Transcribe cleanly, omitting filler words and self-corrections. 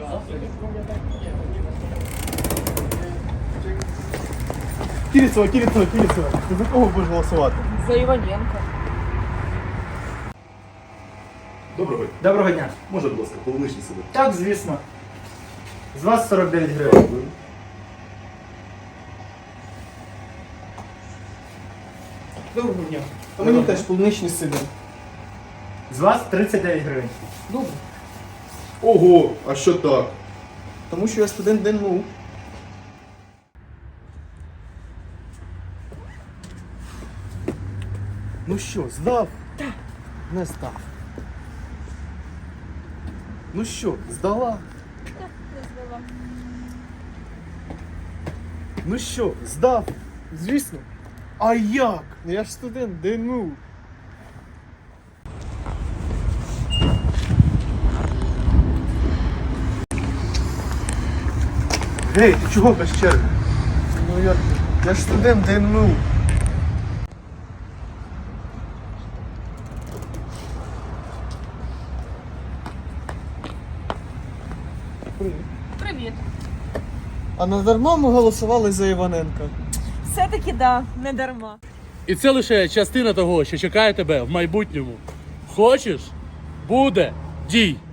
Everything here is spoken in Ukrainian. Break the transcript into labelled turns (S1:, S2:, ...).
S1: Кірісова. Ти за кого будеш голосувати?
S2: За Іваненка.
S3: Доброго дня.
S1: Може, будь ласка, полуничний себе.
S3: Так, звісно. З вас 49 гривень.
S2: Доброго дня.
S1: А мені теж полуничний себе.
S3: З вас 39 гривень.
S2: Добре.
S1: Ого, а що так? Тому що я студент ДНУ. Ну що, здав? Так. Не здав. Ну що, здала?
S2: Так, не здала.
S1: Ну що, здав? Звісно. А як? Я ж студент ДНУ. Гей, ти чого без черги? Ну як ти? Я ж студент ДНУ.
S2: Привіт.
S1: А надарма ми голосували за Іваненка.
S2: Все-таки да, не дарма.
S4: І це лише частина того, що чекає тебе в майбутньому. Хочеш? Буде. Дій!